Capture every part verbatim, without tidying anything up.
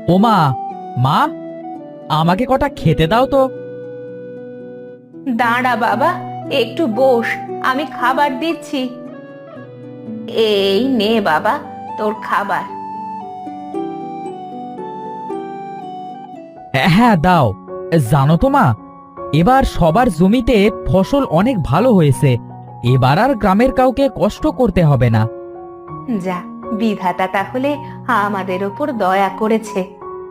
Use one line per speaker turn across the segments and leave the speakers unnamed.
ও মা, মা, আমাকে কটা খেতে দাও তো।
দাঁড়া বাবা, একটু বস, আমি খাবার দিচ্ছি। এই নে বাবা, তোর খাবার।
হ্যাঁ দাও। জানো তো মা, এবার সবার জমিতে ফসল অনেক ভালো হয়েছে। এবার আর গ্রামের কাউকে কষ্ট করতে হবে না।
যা, বিধাতা তাহলে আমাদের ওপর দয়া করেছে।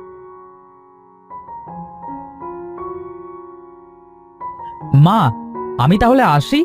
মা, আমি তাহলে আসি।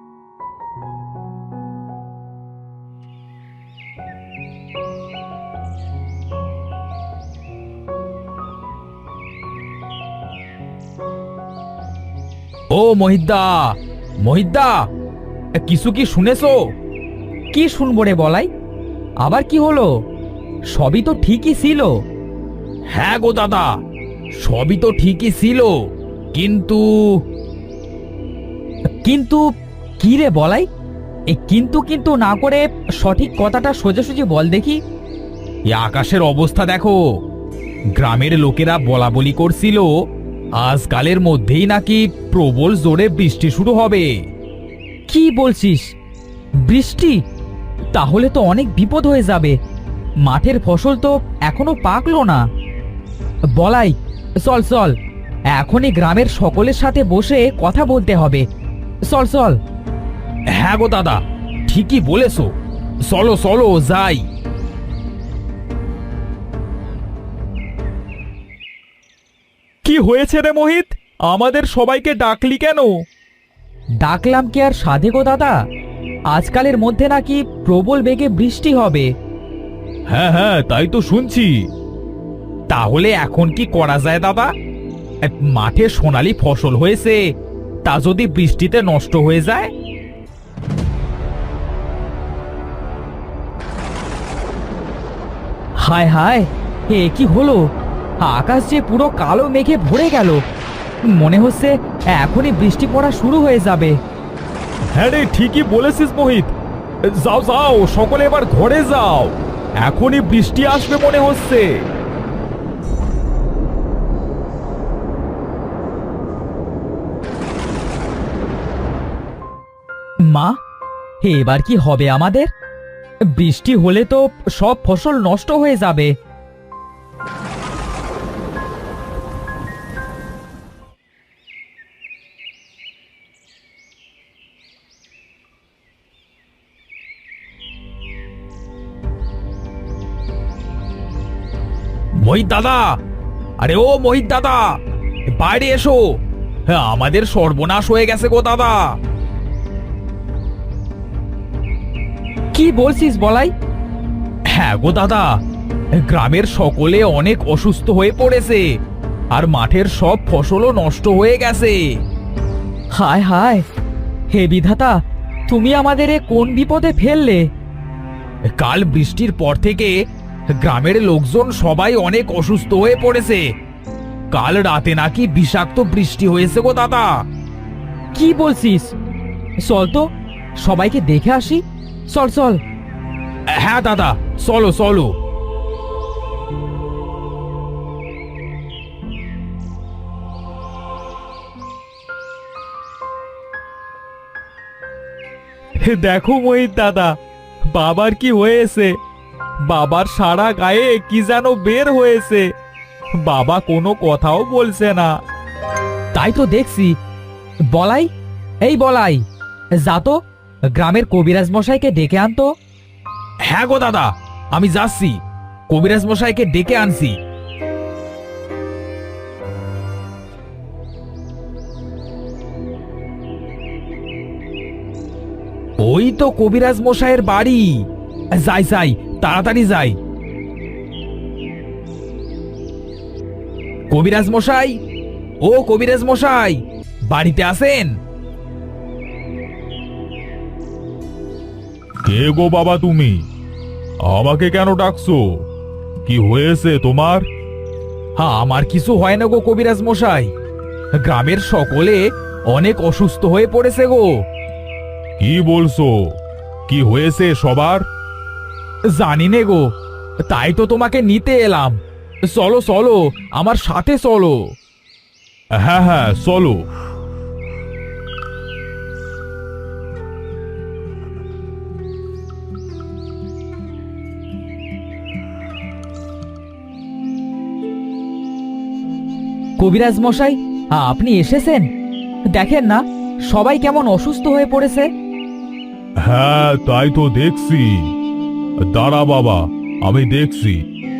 ও মহিদ্দা, মহিদ্দা, কিছু কি শুনেছো? কি শুনবো রে বলাই? আবার কি হলো? সবই তো ঠিকই ছিল। হ্যাঁ গো দাদা, সবই তো ঠিকই ছিল, কিন্তু কিন্তু কি রে বলাই? এই কিন্তু কিন্তু না করে সঠিক কথাটা সোজাসুজি বল দেখি। এই আকাশের অবস্থা দেখো। গ্রামের লোকেরা বলা বলি করছিল আজকালের মধ্যেই নাকি প্রবল জোরে বৃষ্টি শুরু হবে। কি বলছিস? বৃষ্টি? তাহলে তো অনেক বিপদ হয়ে যাবে। মাঠের ফসল তো এখনো পাকলো না। বলাই, চল চল, এখনই গ্রামের সকলের সাথে বসে কথা বলতে হবে। চল চল। হ্যাঁ গো দাদা, ঠিকই বলেছো। চলো চলো যাই। কি হয়েছে রে মোহিত? আমাদের সবাইকে ডাকলি কেন? ডাকলাম কি আর সাধে গো দাদা? আজকালের মধ্যে নাকি প্রবল বেগে বৃষ্টি হবে। হ্যাঁ হ্যাঁ, তাই তো শুনছি। তাহলে এখন কি করা যায় দাদা? মাঠে সোনালী ফসল হয়েছে, তা যদি বৃষ্টিতে নষ্ট হয়ে যায়? হায় হায়, এ কি হলো? আকাশ যে পুরো কালো মেঘে ভরে গেল। মনে হচ্ছে এখনই বৃষ্টি পড়া শুরু হয়ে যাবে। হ্যাঁ রে, ঠিকই বলেছিস মোহিত। যাও যাও, সকলে এবার ঘরে যাও, এখনই বৃষ্টি আসবে মনে হচ্ছে। মা, এবার কি হবে আমাদের? বৃষ্টি হলে তো সব ফসল নষ্ট হয়ে যাবে। মোহিত দাদা, আরে ও মোহিত দাদা, বাইরে এসো। হ্যাঁ, আমাদের সর্বনাশ হয়ে গেছে গো দাদা। কি বলছিস বলাই? হ্যাঁ গো দাদা, গ্রামের সকলে অনেক অসুস্থ হয়ে পড়েছে, আর মাঠের সব ফসলও নষ্ট হয়ে গেছে। হায় হায়, হে বিধাতা, তুমি আমাদের এ কোন বিপদে ফেললে? কাল বৃষ্টির পর থেকে গ্রামের লোকজন সবাই অনেক অসুস্থ হয়ে পড়েছে। কাল রাতে নাকি বিষাক্ত বৃষ্টি হয়েছে গো দাদা। কি বলছিস? চল তো, সবাইকে দেখে আসি। চল চল। হ্যাঁ দাদা, চলো চলো। দেখো মোহিত দাদা, বাবার কি হয়েছে? বাবার সারা গায়ে কি যেন বের হয়েছে। বাবা কোনো কথাও বলছে না। তাই তো দেখছি। বলাই, এই বলাই, যা তো গ্রামের কবিরাজ মশাইকে ডেকে আনতো। হ্যাঁ গো দাদা, আমি যাচ্ছি, কবিরাজ মশাইকে ডেকে আনছি। ওই তো কবিরাজ মশাইয়ের বাড়ি। যাই যাই, তাড়াতাড়ি যাই। কবিরাজ মশাই, ও কবিরাজ মশাই, বাড়িতে আছেন?
কে গো বাবা তুমি? আমাকে কেন ডাকছো? কি হয়েছে তোমার?
হ্যাঁ, আমার কিছু হয় না গো কবিরাজ মশাই। গ্রামের সকলে অনেক অসুস্থ হয়ে পড়েছে গো।
কি বলছো? কি হয়েছে সবার?
জানি নে গো, তাই তো তোমাকে নিতে এলাম। চলো চলো, আমার সাথে চলো।
হ্যাঁ হ্যাঁ চলো।
কবিরাজ মশাই, আপনি এসেছেন? দেখেন না সবাই কেমন অসুস্থ হয়ে পড়েছে।
হ্যাঁ তাই তো দেখছি। দাঁড়া বাবা, আমি দেখছি।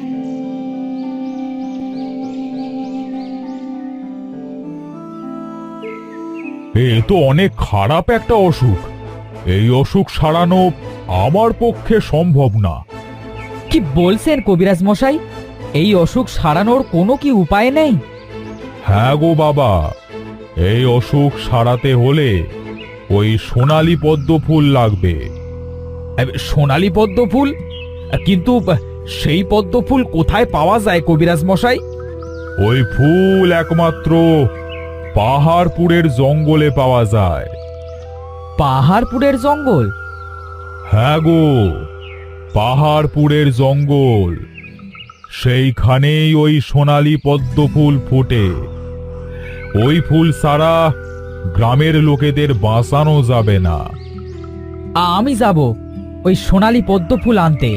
এ তো অনেক খারাপ একটা অসুখ। এই অসুখ সারানো আমার পক্ষে সম্ভব না।
কি বলছেন কবিরাজ মশাই? এই অসুখ সারানোর কোনো কি উপায় নেই?
হ্যাঁ গো বাবা, এই অসুখ সারাতে হলে ওই সোনালী পদ্ম ফুল লাগবে।
এ, সোনালী পদ্ম ফুল? কিন্তু সেই পদ্ম ফুল কোথায় পাওয়া যায় কবিরাজ মশাই?
ওই ফুল একমাত্র পাহাড়পুরের জঙ্গলে পাওয়া যায়।
পাহাড়পুরের জঙ্গল?
হ্যাঁ গো, পাহাড়পুরের জঙ্গল। সেইখানেই ওই সোনালী পদ্ম ফুল ফোটে। ওই ফুল ছাড়া গ্রামের লোকেদের বাঁচানো যাবে না।
আমি যাব ওই সোনালী পদ্ম ফুল আনতে।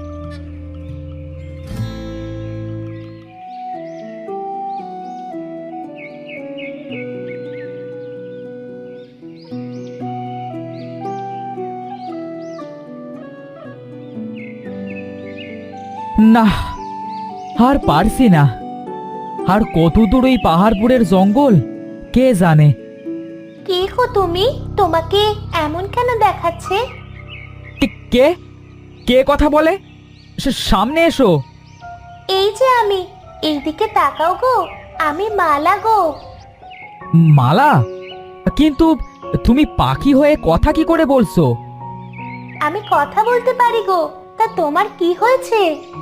না, আর পারছি না। আর কত দূর ওই পাহাড়পুরের জঙ্গল কে জানে।
কে গো তুমি? তোমাকে এমন কেন দেখাচ্ছে?
কে কে কথা বলে? সে- সামনে এসো।
এই যে আমি, এইদিকে তাকাও গো, আমি মালা গো।
মালা? কিন্তু তুমি পাখি হয়ে কথা কি করে বলছো?
আমি কথা বলতে পারি গো, তা তোমার কি হয়েছে?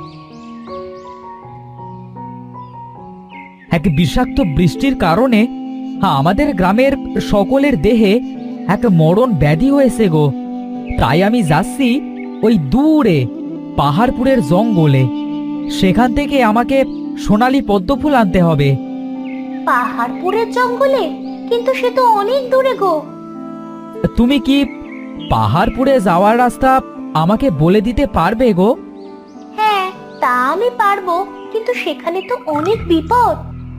এক বিষাক্ত বৃষ্টির কারণে আমাদের গ্রামের সকলের দেহে এক মরণ ব্যাধি হয়েছে গো। তাই আমি যাচ্ছি ওই দূরে পাহাড়পুরের জঙ্গলে। সেখান থেকে আমাকে সোনালী পদ্মফুল আনতে হবে।
পাহাড়পুরের জঙ্গলে? কিন্তু সে তো অনেক দূরে গো।
তুমি কি পাহাড়পুরে যাওয়ার রাস্তা আমাকে বলে দিতে পারবে গো?
হ্যাঁ, তা আমি পারবো, কিন্তু সেখানে তো অনেক বিপদ।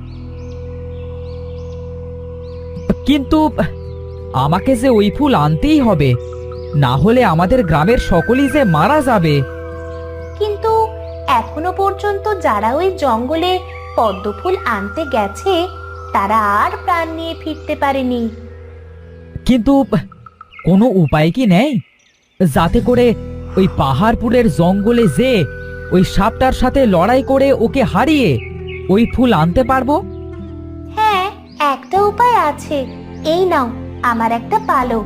কিন্তু আমাকে যে ওই ফুল আনতেই হবে, না হলে আমাদের গ্রামের সকলেই যে মারা যাবে।
কিন্তু এখনো পর্যন্ত যারা ওই জঙ্গলে পদ্মফুল আনতে গেছে তারা আর প্রাণ নিয়ে ফিরতে পারেনি।
কিন্তু কোনো উপায় কি নেই যাতে করে ওই পাহাড়পুরের জঙ্গলে যে ওই সাপটার সাথে লড়াই করে ওকে হারিয়ে ওই ফুল আনতে পারবো?
হ্যাঁ, একটা উপায় আছে। এই নাও আমার একটা পালক।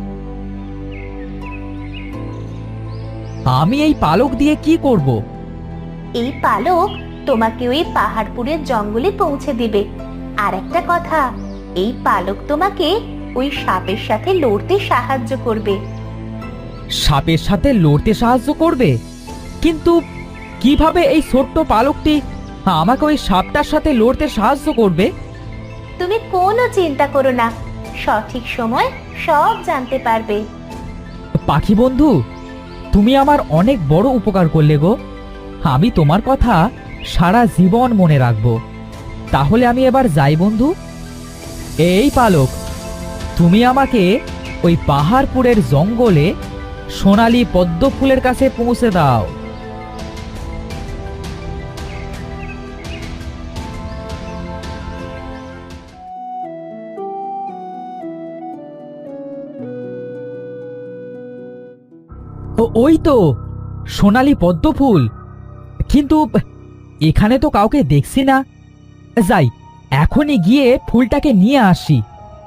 আমি এই পালক দিয়ে কি করব?
এই পালক তোমাকে ওই পাহাড়পুরের জঙ্গলে পৌঁছে দিবে। আর একটা কথা, এই পালক তোমাকে ওই সাপের সাথে লড়তে সাহায্য করবে।
সাপের সাথে লড়তে সাহায্য করবে? কিন্তু কিভাবে এই ছোট্ট পালকটি আমাকে ওই সাপটার সাথে লড়তে সাহায্য করবে?
তুমি কোনো চিন্তা করো না, সঠিক সময় সব জানতে পারবে।
পাখি বন্ধু, তুমি আমার অনেক বড় উপকার করলে গো। আমি তোমার কথা সারা জীবন মনে রাখবো। তাহলে আমি এবার যাই বন্ধু। এই পালক, তুমি আমাকে ওই পাহাড়পুরের জঙ্গলে সোনালী পদ্ম ফুলের কাছে পৌঁছে দাও। ও, ওই তো সোনালী পদ্ম ফুল। কিন্তু এখানে তো কাউকে দেখছি না। যাই, এখনই গিয়ে ফুলটাকে নিয়ে আসি।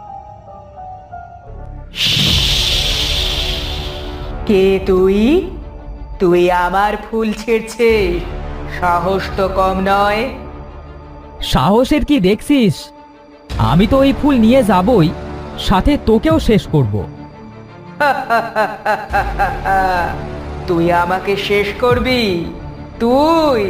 কে তুই? তুই আমার ফুল ছিঁড়ছিস? সাহস তো কম নয়।
সাহসের কি দেখছিস? আমি তো ওই ফুল নিয়ে যাবই, সাথে তোকেও শেষ করব।
তুই আমাকে শেষ করবি? তুই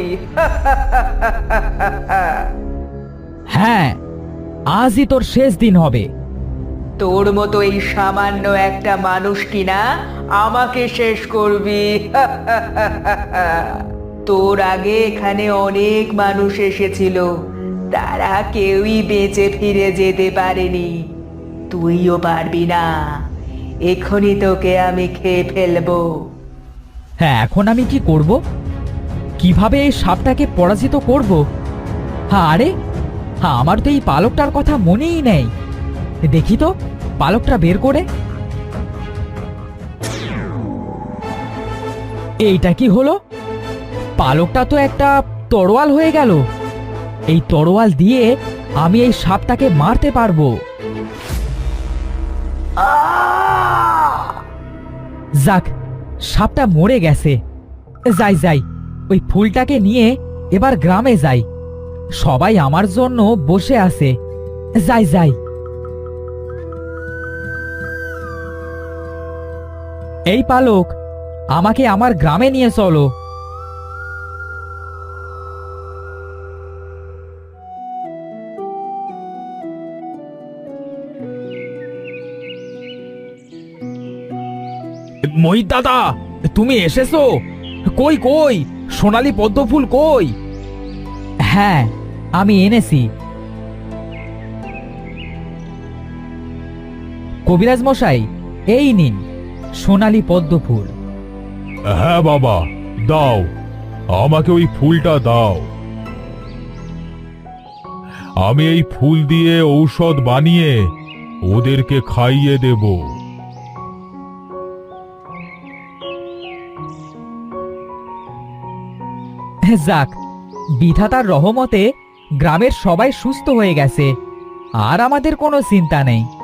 হ্যাঁ, আজই তোর শেষ দিন হবে।
তোর মতো এই সামান্য একটা মানুষ কিনা আমাকে শেষ করবি? তোর আগে এখানে অনেক মানুষ এসেছিল, তারা কেউই বেঁচে ফিরে যেতে পারেনি। তুইও পারবি না। এখনই তোকে আমি খেয়ে ফেলবো।
হ্যাঁ, এখন আমি কি করব? কিভাবে এই সাপটাকে পরাজিত করব? হ্যাঁ, আরে হ্যাঁ, আমার তো এই পালকটার কথা মনেই নেই। দেখি তো পালকটা বের করে। এইটা কি হলো? পালকটা তো একটা তরোয়াল হয়ে গেল। এই তরোয়াল দিয়ে আমি এই সাপটাকে মারতে পারবো। যাক, সাপটা মরে গেছে। যাই যাই, ওই ফুলটাকে নিয়ে এবার গ্রামে যাই। সবাই আমার জন্য বসে আছে। যাই যাই। এই পালক, আমাকে আমার গ্রামে নিয়ে চলো। মহিত দাদা, তুমি এসেছো? কই কই সোনালী পদ্ম ফুল কই? হ্যাঁ, আমি এনেছি। কবিরাজ মশাই, এই নিন সোনালী পদ্ম ফুল।
হ্যাঁ বাবা, দাও, আমাকে ওই ফুলটা দাও। আমি এই ফুল দিয়ে ঔষধ বানিয়ে ওদেরকে খাইয়ে দেব।
যাক, বিধাতার রহমতে গ্রামের সবাই সুস্থ হয়ে গেছে, আর আমাদের কোনো চিন্তা নেই।